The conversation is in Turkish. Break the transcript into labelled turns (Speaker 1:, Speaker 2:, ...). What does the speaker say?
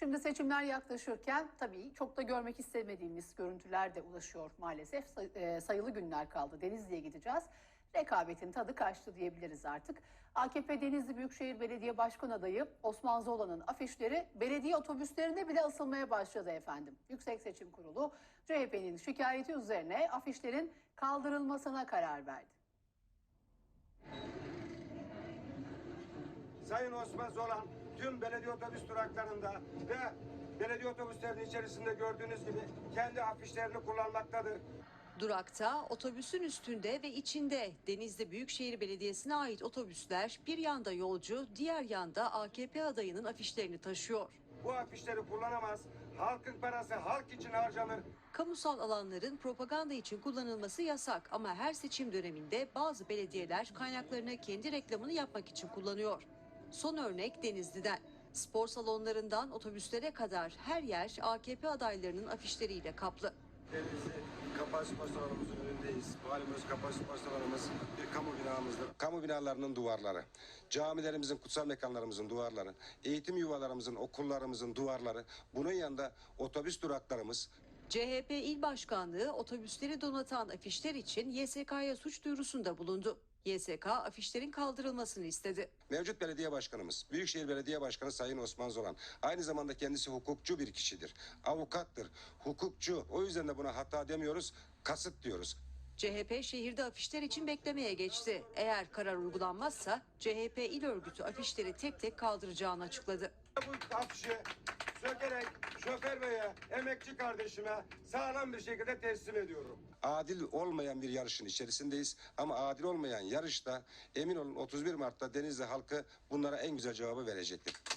Speaker 1: Şimdi seçimler yaklaşırken tabii çok da görmek istemediğimiz görüntüler de ulaşıyor maalesef. Sayılı günler kaldı. Denizli'ye gideceğiz. Rekabetin tadı kaçtı diyebiliriz artık. AKP Denizli Büyükşehir Belediye Başkan Adayı Osman Zola'nın afişleri belediye otobüslerinde bile asılmaya başladı efendim. Yüksek Seçim Kurulu CHP'nin şikayeti üzerine afişlerin kaldırılmasına karar verdi.
Speaker 2: Sayın Osman Zolan tüm belediye otobüs duraklarında ve belediye otobüslerinin içerisinde gördüğünüz gibi kendi afişlerini kullanmaktadır.
Speaker 3: Durakta, otobüsün üstünde ve içinde Denizli Büyükşehir Belediyesi'ne ait otobüsler bir yanda yolcu, diğer yanda AKP adayının afişlerini taşıyor.
Speaker 2: Bu afişleri kullanamaz, halkın parası halk için harcanır.
Speaker 3: Kamusal alanların propaganda için kullanılması yasak ama her seçim döneminde bazı belediyeler kaynaklarını kendi reklamını yapmak için kullanıyor. Son örnek Denizli'den. Spor salonlarından otobüslere kadar her yer AKP adaylarının afişleriyle kaplı.
Speaker 2: Denizli Kapalı Spor Salonu'muzun önündeyiz. Valimiz Kapalı Spor Salonumuz bir kamu binamızdır. Kamu binalarının duvarları, camilerimizin, kutsal mekanlarımızın duvarları, eğitim yuvalarımızın, okullarımızın duvarları, bunun yanında otobüs duraklarımız.
Speaker 3: CHP İl Başkanlığı otobüsleri donatan afişler için YSK'ya suç duyurusunda bulundu. YSK afişlerin kaldırılmasını istedi.
Speaker 2: Mevcut belediye başkanımız, Büyükşehir Belediye Başkanı Sayın Osman Zolan, aynı zamanda kendisi hukukçu bir kişidir, avukattır, hukukçu. O yüzden de buna hata demiyoruz, kasıt diyoruz.
Speaker 3: CHP şehirde afişler için beklemeye geçti. Eğer karar uygulanmazsa CHP il örgütü afişleri tek tek kaldıracağını açıkladı.
Speaker 2: Bu afişi sökerek şoför beye, emekçi kardeşime sağlam bir şekilde teslim ediyorum. Adil olmayan bir yarışın içerisindeyiz ama adil olmayan yarışta emin olun 31 Mart'ta Denizli halkı bunlara en güzel cevabı verecektir.